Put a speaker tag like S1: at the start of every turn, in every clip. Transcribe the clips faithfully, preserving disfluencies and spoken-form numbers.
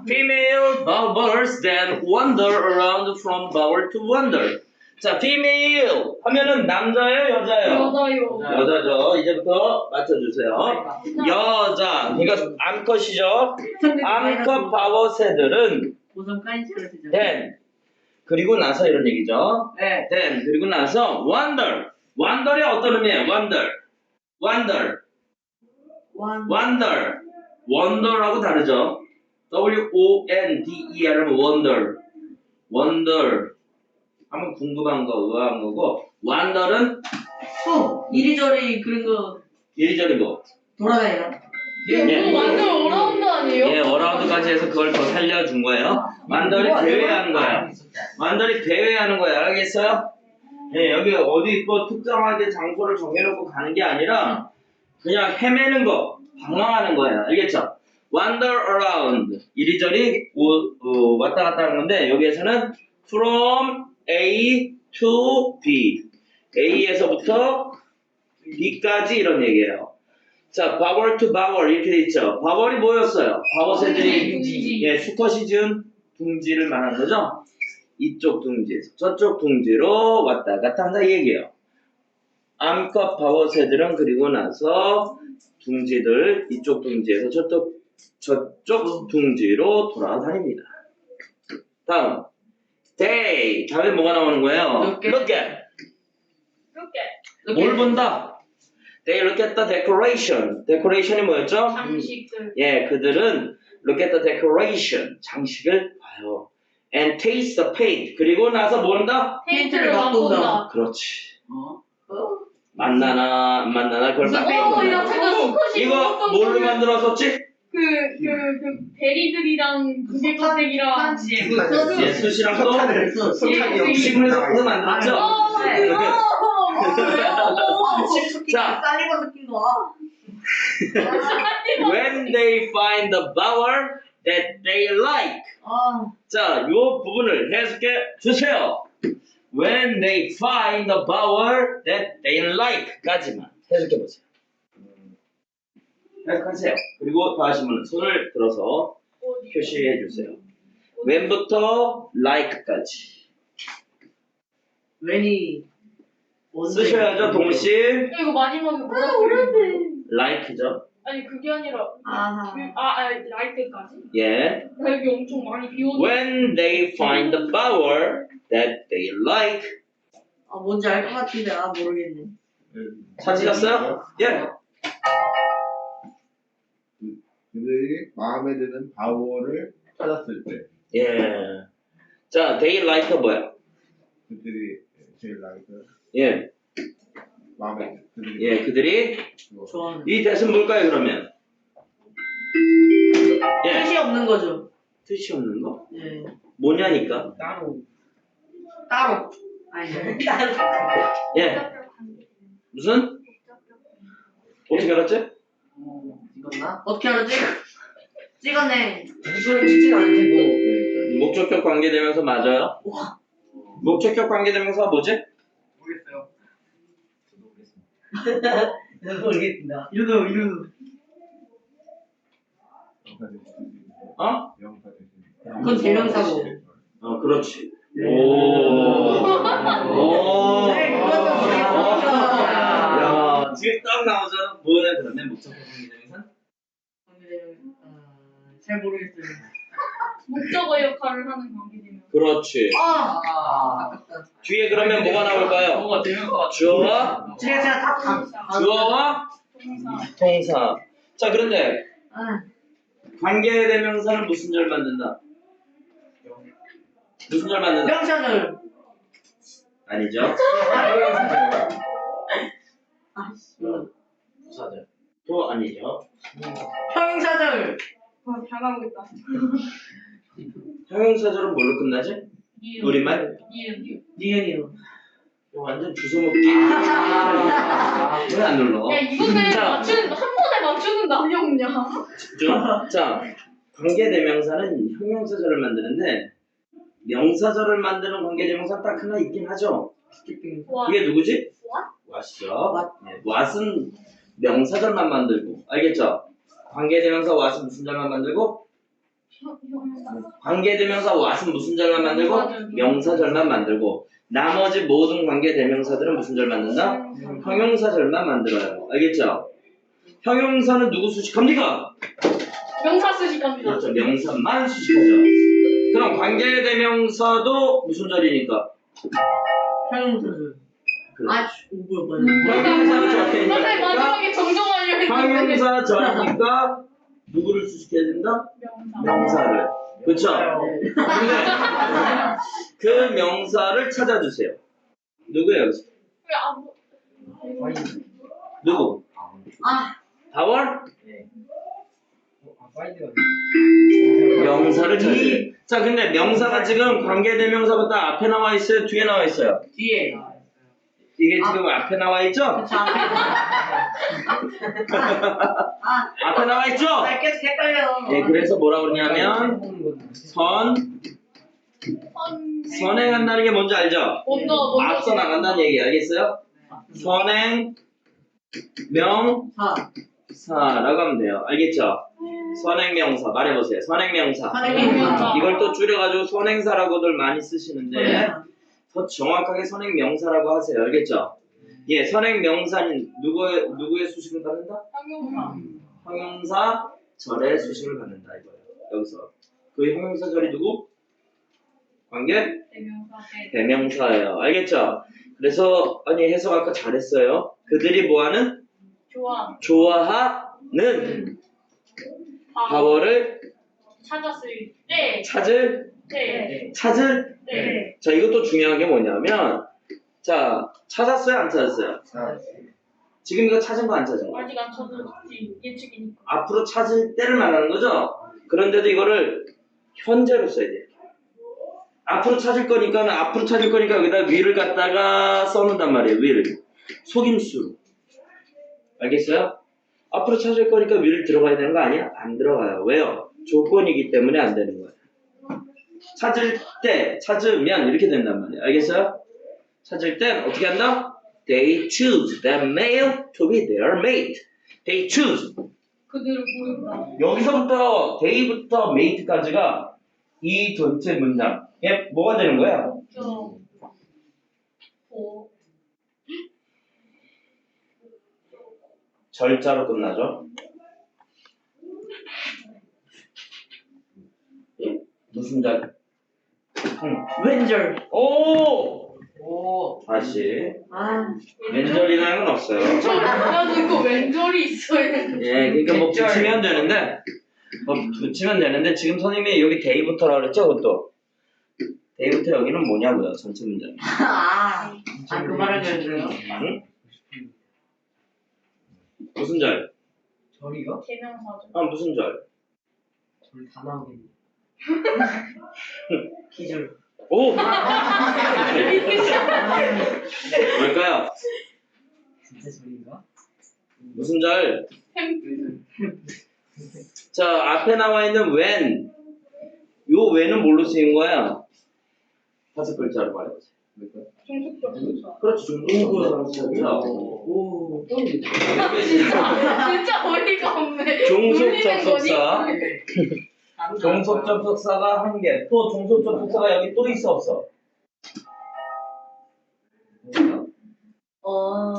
S1: female bowers that wander around from bower to wander. 자, female 하면은 남자예요, 여자예요?
S2: 여자요.
S1: 여자죠. 이제부터 맞춰주세요. 여자. 이거 암컷이죠. 암컷 바워새들은 then 그리고 나서 이런 얘기죠.
S3: 네.
S1: then 그리고 나서 wander. wander이 어떤 의미예요? wander. wander. wander. wander하고 다르죠. W O N D E R 하면 wonder. wonder. 하면 궁금한 거, 의아한 거고, wander은
S3: 또 이리저리 그런 거
S1: 이리저리 뭐.
S3: 돌아다니나?
S2: 이거 완전 어라운드 아니에요?
S1: 예, 어라운드까지 해서 그걸 더 살려준 거예요. 완더리 배회하는 거야. 완더리 배회하는 거야. 알겠어요? 예, 여기 어디 뭐 특정하게 장소를 정해놓고 가는 게 아니라 그냥 헤매는 거, 방황하는 거예요. 알겠죠? wander around. 이리저리 오, 어, 왔다 갔다 하는 건데 여기에서는 from A to B. A에서부터 B까지 이런 얘기예요. 자, bower to bower 이렇게 돼 있죠. bower이 뭐였어요? 바워새들이
S2: 둥지.
S1: 예, 수컷이 지은 둥지를 말하는 거죠. 이쪽 둥지에서 저쪽 둥지로 왔다 갔다 한다 이 얘기예요. 암컷 바워새들은 그리고 나서 둥지들 이쪽 둥지에서 저쪽 저쪽 둥지로 돌아다닙니다. 다음, they 다음에 뭐가 나오는 거예요?
S3: Look at.
S1: look at.
S2: 이렇게
S1: 뭘 본다? They look at the decoration. decoration이 뭐였죠?
S2: 장식들.
S1: 예, 그들은 look at the decoration. 장식을 봐요. And taste the paint. 그리고 나서 뭐 한다?
S2: 페인트를 맛본다.
S1: 그렇지.
S3: 어? 어?
S1: 만나나 안 만나나 그걸
S2: 무슨-
S1: 맛보는
S2: 어,
S1: 거야.
S2: 야, 제가 수컷이
S1: 이거
S2: 먹었던
S1: 뭘로
S2: 거를
S1: 만들었었지?
S2: 그, 그, 그, 베리들이랑 구개거색이랑.
S1: 예, 숯이랑 또
S2: 석탄이
S1: 식물에서 그거 만들었죠?
S2: 어,
S3: 네.
S2: 그거!
S1: 자.
S3: 쌀리고 느낌도 와.
S1: When they find the bower that they like.
S3: 아,
S1: 자, 요 부분을 해석해 주세요. When they find the bower that they like 까지만 해석해 보세요. 해석하세요. 그리고 더 하신 분은 손을 들어서 표시해 주세요. when부터 like까지
S3: 웬이
S1: 쓰셔야죠, 동시.
S2: 이거 마지막에 뭐라고 그랬는데?
S1: like죠.
S2: 아니, 그게 아니라.
S3: 아하.
S2: 그, 아, 아, 라이트까지?
S1: 예.
S2: 나 여기 엄청 많이 비워줘.
S1: When they find the bower that they like.
S3: 아, 뭔지 알 것 같은데 아 모르겠네.
S1: 찾으셨어요? 예.
S4: 그들이 마음에 드는 바워를 찾았을 때
S1: 예. 자, they like가 뭐야?
S4: 그들이 제일 나이가
S1: 예.
S4: 마음에 그들이
S1: 예, 그들이
S3: 좋아하는.
S1: 이 대신 뭘까요, 그러면? 예.
S3: 뜻이 없는 거죠.
S1: 뜻이 없는 거?
S3: 예.
S1: 뭐냐니까?
S3: 따로. 따로. 아니. 따로.
S1: 예. 무슨? 어떻게 알았지?
S3: 찍었나? 어떻게 알았지? 찍었네.
S5: 무슨 찍진 않을 테고.
S1: 목적격 관계대명사 맞아요?
S3: 와.
S1: 목적격 관계대명사가 뭐지?
S5: 모르겠어요. 저도 모르겠습니다.
S3: 저도 모르겠습니다. 이러도 이러도.
S4: 영사 대신
S1: 어?
S4: 영사 대신
S3: 그건 대명사고.
S1: 어, 그렇지.
S3: 네.
S1: 오. 오.
S3: 네, 그것도 모르겠습니다.
S1: 야, 지금 딱 나오잖아. 뭐야, 그러면 목적격 관계대명사?
S3: 어, 잘 모르겠어요.
S2: 목적어 역할을 하는 관계되면.
S1: 그렇지.
S3: 아.
S5: 아.
S3: 아깝다.
S1: 뒤에 그러면 뭐가 나올까요?
S5: 뭐가 대명사가
S1: 주어와
S3: 제가 제가 다 다.
S1: 주어와
S2: 동사.
S1: 동사. 자, 그런데
S3: 아.
S1: 관계대명사는 무슨 절 만든다? 무슨 절 만든다?
S3: 명사절.
S1: 아니죠.
S3: 아.
S5: 부사절.
S1: 또 아니죠.
S3: 형용사절.
S2: 아, 잘나오겠다.
S1: 형용사절은 뭘로 끝나지?
S2: 니은.
S1: 우리말?
S2: 니은.
S3: 니은이요.
S1: 이거 완전 주워먹기.
S5: 아.
S1: 왜 안 눌러?
S2: 야, 이거는
S1: 자.
S2: 맞추는, 한 번에 맞추는 남이 없냐?
S1: 좀, 자, 관계대명사는 형용사절을 만드는데 명사절을 만드는 관계대명사 딱 하나 있긴 하죠.
S2: 와.
S1: 그게 누구지?
S2: 왓?
S1: 왓이죠. 네, 왓은 명사절만 만들고, 알겠죠? 관계대명사 왓은 무슨 절만 만들고? 관계대명사 what은 무슨 절만 만들고? 명사절만 만들고 나머지 모든 관계대명사들은 무슨 절 만든다? 형용사절만 만들어요. 알겠죠? 형용사는 누구 수식합니까?
S2: 명사 수식합니다.
S1: 그렇죠. 명사만 수식하죠. 그럼 관계대명사도 무슨 절이니까?
S3: 형용사절.
S1: 그렇죠.
S3: 아, 오버 맞네.
S1: 형용사
S2: 선생님
S1: 절이니까
S2: 마지막에 정정하려 했는데.
S1: 형용사 절이니까 누구를 수식해야 된다?
S2: 명사.
S1: 명사를. 그렇죠?
S3: 네.
S1: 근데 그 명사를 찾아주세요. 누구예요? 여기서?
S2: 왜 아무?
S1: 누구?
S3: 아,
S1: 다월?
S5: 아, 파이드가
S1: 명사를 찾아요. 자, 근데 명사가 지금 관계대명사보다 앞에 나와 있어요? 뒤에 나와 있어요?
S3: 뒤에.
S1: 이게 지금 앞에 나와 있죠?
S3: 그쵸, 앞에. 아,
S1: 앞에 나와 있죠?
S3: 아, 계속 헷갈려.
S1: 네, 그래서 뭐라 그러냐면 선,
S2: 선.
S1: 선행한다는 게 뭔지 알죠?
S2: 먼저 먼저.
S1: 앞서 나간다는 얘기 알겠어요? 선행, 명사라고
S3: 사.
S1: 하면 돼요. 알겠죠? 선행명사 말해보세요. 선행명사.
S3: 선행명사.
S1: 이걸 또 줄여가지고 선행사라고들 많이 쓰시는데 더 정확하게 선행명사라고 하세요. 알겠죠? 예, 선행명사는 누구의 누구의 수식을 받는다?
S2: 형용사.
S1: 형용사 절의 수식을 받는다 이거예요. 여기서 그 형용사 절이 누구? 관계
S2: 대명사. 네.
S1: 대명사예요. 알겠죠? 그래서 아니 해석 아까 잘했어요. 그들이 뭐하는?
S2: 좋아.
S1: 좋아하는 바워를
S2: 찾았을 때.
S1: 찾을
S2: 때.
S1: 찾을
S2: 때.
S1: 자 이것도 중요한 게 뭐냐면 자 찾았어요 안 찾았어요?
S4: 자,
S1: 지금 이거 찾은 거 안 찾은 거?
S2: 아직 안 찾았지. 예측이니까.
S1: 앞으로 찾을 때를 말하는 거죠? 그런데도 이거를 현재로 써야 돼요. 앞으로 찾을 거니까 앞으로 찾을 거니까 여기다 will을 갖다가 써놓는단 말이에요. will 속임수로 알겠어요? 앞으로 찾을 거니까 will을 들어가야 되는 거 아니야? 안 들어가요. 왜요? 조건이기 때문에 안 되는 거예요. 찾을 때 찾으면 이렇게 된단 말이에요. 알겠어요? 찾을 땐 어떻게 한다? They choose that male to be their mate. They choose.
S2: 그들을 고른다.
S1: 여기서부터 they부터 mate까지가 이 전체 문장에 뭐가 되는 거야?
S2: 저. 오.
S1: 절자로 끝나죠. 예? 무슨 절? 응.
S3: 왼절.
S1: 오!
S5: 오.
S1: 다시
S3: 아,
S1: 왼절이라는 건 없어요.
S2: 나도 이거 왼절이 있어야 되는데.
S1: 예, 그러니까 뭐
S5: 왼절.
S1: 붙이면 되는데 뭐 붙이면 되는데 지금 선생님이 여기 데이부터라 그랬죠, 그것도. 데이부터 여기는 뭐냐고요, 전체 문장.
S3: 아, 아, 그 말을 해줘요.
S1: 응? 무슨 절?
S5: 저리요?
S2: 대명사죠.
S1: 아, 무슨 절?
S5: 저리 다 나오겠네.
S3: 기절.
S1: 오! 뭘까요?
S5: 진짜 저리인가?
S1: 무슨 절?
S2: 햄.
S1: 자, 앞에 나와 있는 when. 요 when은 뭘로 쓰인 거야? 다섯 글자로 말해보세요.
S2: 종속적 부사.
S1: 그렇지, 종속부사로 쓰였죠.
S5: 오.
S2: 진짜 진짜 어이가 없네.
S1: 종속
S2: 놀리는
S1: 접속사.
S2: 거니?
S1: 종속 접속사가 한 개. 또 종속 접속사가 여기 또 있어 없어?
S3: 어.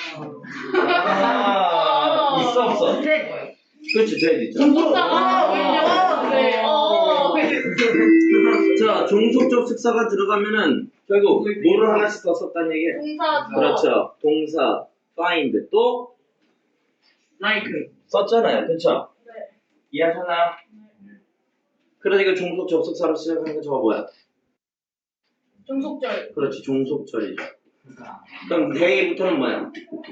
S1: 아, 있어 없어?
S3: 네.
S1: 그렇지, 돼야 있죠.
S2: 접속사가 왜요? 네. 어.
S1: 자, 종속 접속사가 들어가면은 결국 뭐를 하나씩 더 썼다는 얘기예요.
S2: 동사.
S1: 그렇죠. 동사, find 또
S3: 라이크.
S1: 썼잖아요. 그렇죠?
S2: 네.
S1: 이해하셨나요? 그러니까 종속 접속사로 시작하는 게 저거 뭐야?
S2: 종속절.
S1: 그렇지, 종속절이죠. 그럼 데이부터는 뭐야?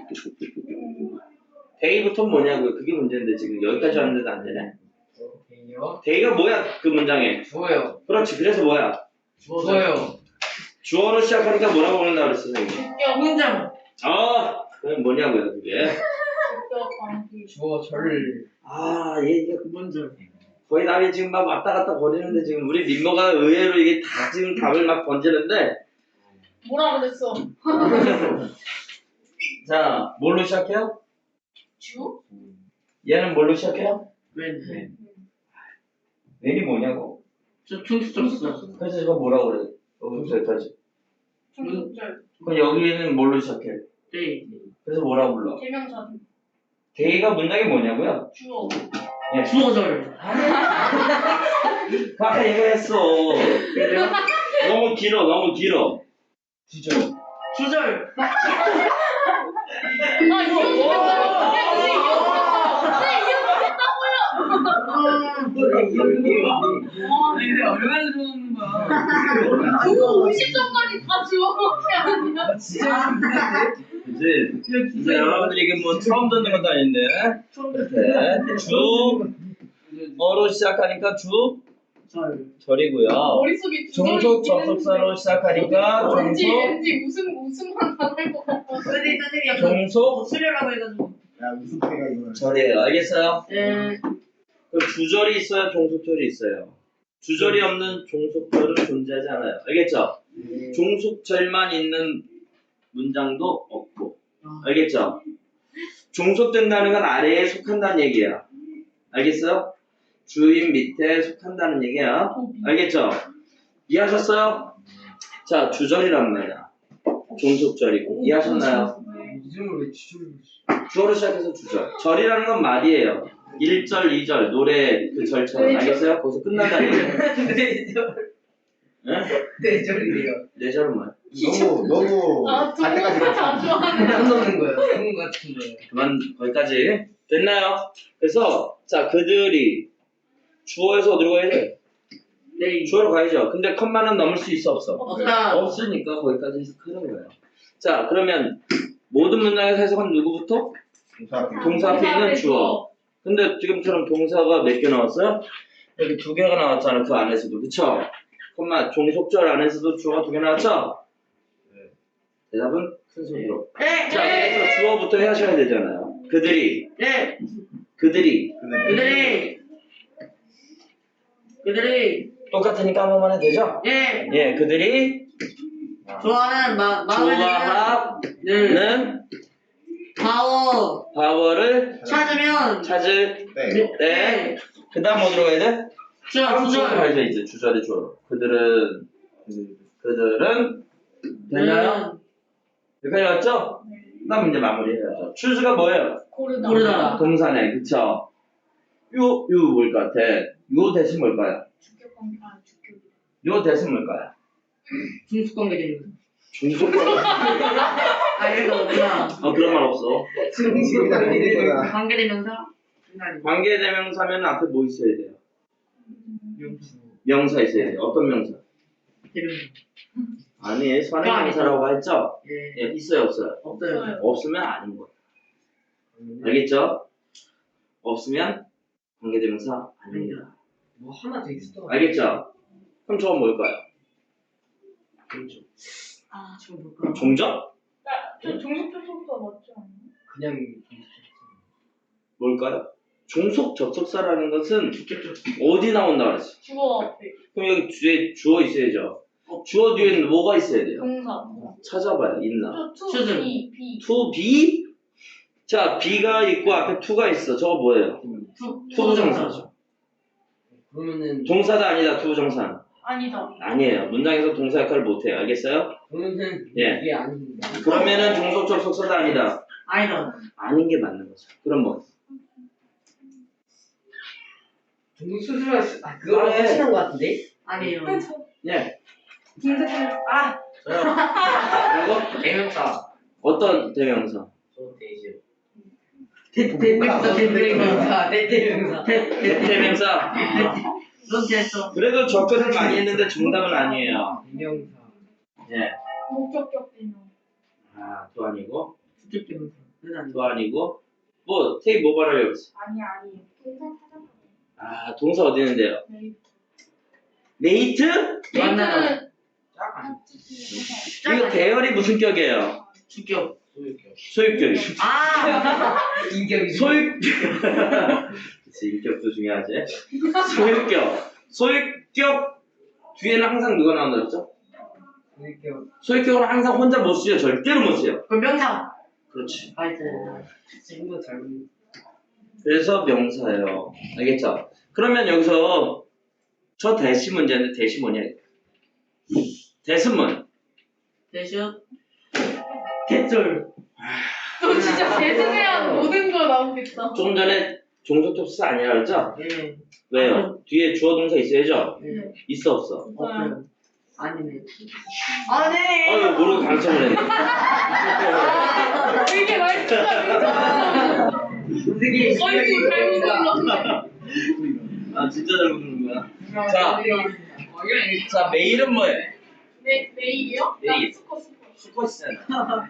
S1: 데이부터는 뭐냐고요? 그게 문제인데 지금 여기까지 왔는데도 안 되네.
S5: 오케이요.
S1: 데이가 뭐야? 그 문장에.
S5: 주어요.
S1: 그렇지, 그래서 뭐야?
S5: 주어요.
S1: 주어로 시작하니까 뭐라고 부른다 그랬어, 선생님?
S2: 주격.
S3: 문장.
S1: 아, 그게 뭐냐고요, 그게?
S2: 주격 관계.
S5: 주어 절.
S1: 아, 얘 이게
S3: 문절.
S1: 거의 답이 지금 막 왔다 갔다 거리는데 지금 우리 민모가 의외로 이게 다 지금 답을 막 던지는데
S2: 뭐라 그랬어?
S1: 자, 뭘로 시작해요?
S2: 주?
S1: 얘는 뭘로 시작해요?
S3: 왼.
S5: 네.
S1: 웬이 뭐냐고.
S3: 저 충수쳤어.
S1: 그래서 이거 뭐라고 그래? 여기서 여기까지.
S2: 중국절.
S1: 그럼 여기는 뭘로 시작해?
S3: 네.
S1: 그래서 뭐라고 불러?
S2: 대명사.
S1: 데이가 문장이 뭐냐고요?
S2: 주어.
S1: 예.
S3: 주어절.
S1: 아까 얘기했어.
S3: 그래요?
S1: 너무 길어, 너무 길어.
S5: 주절.
S3: 주절.
S2: 아 이어지겠다. 네
S3: 근데 얼마나 좋아하는 거야?
S2: 이어지겠다고요. 오십 점까지 다 지워놓게 아니야?
S5: 진짜 힘든데?
S1: 그치? 이제 여러분들이 이게 뭐 처음 듣는 것도 아닌데. 이렇게 주, 어로 시작하니까 주,
S3: 절.
S1: 절이고요.
S2: 머릿속에
S1: 종속 접속사로 시작하니까
S2: 왠지
S1: 종속,
S2: 왠지 무슨 무슨만 나올 것 같아.
S3: 선생님 선생님 약간
S1: 종속,
S3: 수려라고 해가지고.
S4: 야 무슨 패가 이거는.
S1: 절이에요. 알겠어요?
S3: 네.
S1: 그럼 주절이 있어요? 종속절이 있어요? 주절이 없는 종속절은 존재하지 않아요. 알겠죠? 종속절만 있는 문장도 없고. 알겠죠? 종속된다는 건 아래에 속한다는 얘기야. 알겠어요? 주인 밑에 속한다는 얘기야. 알겠죠? 이해하셨어요? 자, 주절이란 말이야. 종속절이고. 이해하셨나요?
S5: 이름을 왜 주절로
S1: 주어로 시작해서 주절. 절이라는 건 말이에요. 일 절, 이 절, 노래 그 절처럼. 알겠어요? 거기서 끝난다는 얘기예요.
S5: 네절.
S1: 응?
S5: 네절이래요.
S1: 네 절은 뭐야?
S4: 너무 너무
S2: 아
S4: 갈 때까지
S2: 동물을 자주 하는.
S5: 안 넣는 거예요. 그런 거 같은 거예요.
S1: 그만 거기까지 됐나요? 그래서 자 그들이 주어에서 어디로 가야 돼?
S3: 네.
S1: 주어로 가야죠. 근데 컴마는 넘을 수 있어 없어?
S3: 없다.
S1: 없으니까 거기까지 해석하는 거예요. 자 그러면 모든 문장에서 해석은 누구부터?
S4: 동사.
S1: 동사 앞에 있는 주어. 근데 지금처럼 동사가 몇 개 나왔어요? 여기 두 개가 나왔잖아. 그 안에서도 그쵸? 컴마 종속절 안에서도 주어가 두 개 나왔죠?
S4: 네.
S1: 대답은 큰 소리로.
S3: 네.
S1: 자 그래서 주어부터 하셔야 되잖아요. 그들이
S3: 네.
S1: 그들이
S4: 근데
S3: 그들이 그들이
S1: 똑같으니까 한 번만 해도 되죠?
S3: 네.
S1: 예, 그들이
S3: 좋아하는 마 마음에 드는
S1: 좋아하는
S3: 파워
S1: 파워를
S3: 찾으면
S1: 찾을
S4: 네.
S1: 때 그 다음 어디로 가야 돼?
S3: 주절
S1: 다음 주어로
S3: 주절.
S1: 가야죠 이제 주절이 주어로 그들은 그들은 됐나요? 여기까지 왔죠? 그 다음 이제 마무리해야죠 추즈가 뭐예요?
S2: 고르다.
S3: 고르다.
S1: 동사네 그쵸? 요, 요 뭘 것 같아? 요 대신 뭘까요?
S2: 주격 관계. 아 주격.
S1: 요 대신 뭘까요?
S3: 중수관계 되는.
S1: 중속권
S3: 아 이거 없구나.
S1: 어 그런 말 없어
S4: 중심이다 중심이다.
S3: 관계대명사. 아니.
S1: 관계대명사면 앞에 뭐 있어야 돼요?
S5: 명수.
S1: 명사 있어야 돼요 어떤 명사?
S3: 대명사.
S1: 아니 선행명사라고 했죠?
S3: 예.
S1: 예, 있어요 없어요?
S3: 없어요.
S1: 없으면 아닌 거예요 알겠죠? 없으면 관계대명사 아닙니다
S5: 뭐 하나 더 있어.
S1: 알겠죠? 그럼 저건 뭘까요?
S5: 그렇죠.
S3: 아 지금 볼까?
S1: 종적?
S2: 저 종속 접속사 맞지 않나?
S5: 그냥
S1: 뭘까요? 종속 접속사라는 것은 어디 나온다 그랬어?
S2: 주어 앞에.
S1: 그럼 여기 뒤에 주어 있어야죠 주어 뒤에는 뭐가 있어야 돼요?
S2: 동사.
S1: 찾아봐요 있나?
S2: 저
S3: 추즈.
S2: to be be.
S1: to be? 자 be가 있고 앞에 to가 있어 저거 뭐예요?
S3: 투
S1: 투부정사죠
S5: 그러면은
S1: 동사다 아니다 투부정사
S2: 아니다.
S1: 아니에요 문장에서 동사 역할을 못해요 알겠어요?
S5: 그러면은
S1: 예.
S5: 이게 아닙니다.
S1: 그러면은 종속 접속사도 아니다
S3: 아니다.
S1: 아닌 게 맞는 거죠 그럼 뭐?
S5: 중국 수술할 수, 아 그거랑
S1: 아, 네.
S5: 하시는 거 같은데?
S3: 아니에요.
S1: 예
S2: 동사. 아
S1: 그리고
S5: 대명사.
S1: 어떤 대명사?
S5: 저 대이제.
S3: 대명사 대명사.
S5: 대대명사.
S1: 대명사
S3: 넌 됐어.
S1: 그래도 접근을 많이 했는데 정답은 아니에요
S5: 대명사.
S1: 예.
S2: 목적격 대명.
S1: 아, 또 아니고
S3: 수직 대명사. 그건 아니고.
S1: 또 아니고 뭐 테이 뭐 말하려고 했어?
S2: 아니 아니. 동사 찾아봐.
S1: 아 동사 어디 있는데요?
S2: 메이트.
S1: 메이트?
S3: 만나다.
S5: 짝 아니.
S1: 이거 대열이 무슨 격이에요?
S3: 주격.
S5: 소유격.
S1: 소유격이
S3: 아.
S5: 인격이.
S1: 소유 그치 인격도 중요하지 소유격 소유격 뒤에는 항상 누가 나온다 그랬죠?
S5: 소유격.
S1: 소유격은 항상 혼자 못 쓰여 절대로 못 쓰여
S3: 그럼 명사.
S1: 그렇지
S3: 나이스.
S5: 지금도 잘.
S1: 그래서 명사예요 알겠죠? 그러면 여기서 저 대시 문제인데 대시 뭐냐? 대신문.
S3: 대신 개쩔.
S2: 너 진짜 대승해야 모든 거 나오겠다.
S1: 좀 전에 종속접수 아니라 그랬죠?
S3: 예.
S1: 왜요? 뒤에 주어 동사 있어야죠?
S3: 예.
S1: 있어 없어?
S3: 없어요. 아니네. 아니.
S1: 아유 모르고 당첨을 했네.
S2: 이게 말투가
S3: 선생님.
S2: 어이구 잘못 눌렀네.
S1: 아 진짜 잘 부르는구나. 자, 자 메일은 뭐예요?
S2: 네, 메일이요?
S1: 메일.
S2: 스코 스코.
S1: 수컷이잖아.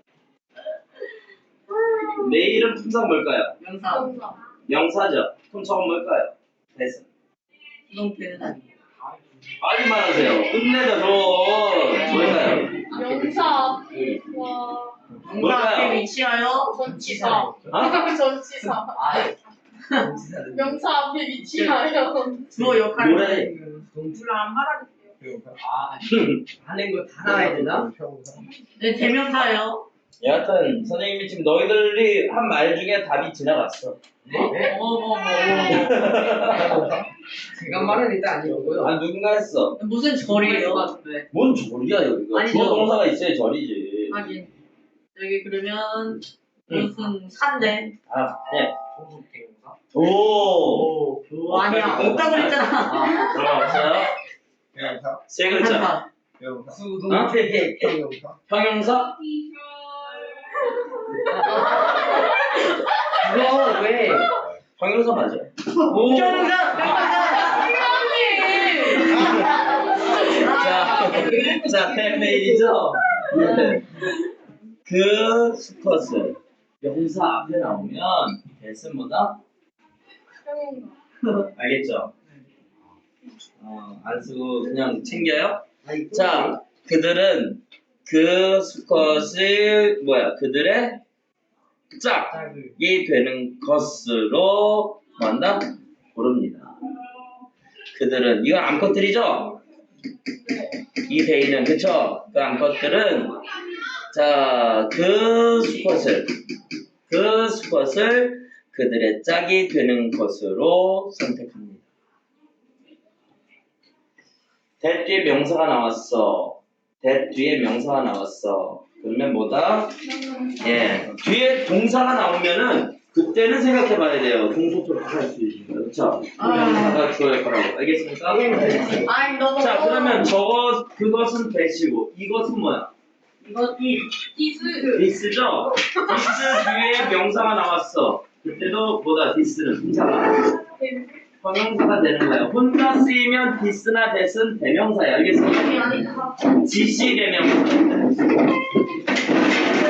S1: 메일은 품사가 뭘까요?
S3: 명사.
S2: 정답.
S1: 명사죠. 품사가 뭘까요? 대신.
S3: 수동태는 아니에요.
S1: 빨리 말하세요. 끝내자 좀. 뭘까요?
S2: 명사 앞에와
S3: 명사
S1: 뭘까요?
S3: 앞에 위치하여
S2: 전치사.
S1: 어?
S2: 전치사.
S5: 아,
S2: 명사 앞에 위치하여.
S3: 주어 역할을
S1: 뭐래?
S3: 하는
S5: 동투를 안 말하겠어요. 아, 하는 거 다 나와야 되나?
S3: 네, 대명사예요.
S1: 여하튼 선생님이 지금 너희들이 한 말 중에 답이 지나갔어.
S5: 네?
S3: 어머머머.
S5: 제가 말은 일단 아니고요.
S1: 아 누군가 했어.
S3: 무슨 절이에요?
S1: 뭔 절이야 여기가.
S3: 아니죠.
S1: 주어 동사가 있어야 절이지.
S3: 하긴. 여기 그러면 무슨 산대.
S1: 아 네.
S5: 종속 대명사?
S1: 오.
S3: 오, 아니야. 없다고 그랬잖아.
S1: 들어봤어요?
S4: 명사,
S1: 세 글자.
S3: 한타.
S4: 명사,
S5: 수동태
S4: 형용사,
S1: 형용사?
S5: 그거 왜?
S1: 형용사 맞아요.
S5: 오.
S3: 명사.
S1: 자, 자, 팬메일이죠? 네. 그 수컷을 명사 앞에 나오면 대신 뭐다? 알겠죠? 어, 안 쓰고 그냥 챙겨요? 자, 그들은 그 수컷을 뭐야? 그들의 짝이 되는 것으로 뭐한다? 고릅니다. 그들은 이건 암컷들이죠? 이 대의는 그쵸? 그 암컷들은 자, 그 수컷을 그 수컷을 그들의 짝이 되는 것으로 선택합니다. that 뒤에 명사가 나왔어. that 뒤에 명사가 나왔어. 그러면 뭐다? 예, 뒤에 동사가 나오면은 그때는 생각해봐야 돼요. 동소토로 할 수 있습니다. 그렇죠? 명사가 주어일 거라고. 알겠습니까?
S3: 아이 너무.
S1: 자, 그러면 저것 그것은 대시고 이것은 뭐야?
S3: 이거 이.
S2: 디스.
S1: 디스죠? 디스 뒤에 명사가 나왔어. 그때도 뭐다? 디스는 동사가 형용사가 되는 거예요. 혼자 쓰이면 디스나 대스는 대명사예요. 알겠습니까?
S3: 아니 아니.
S1: 지시 대명사.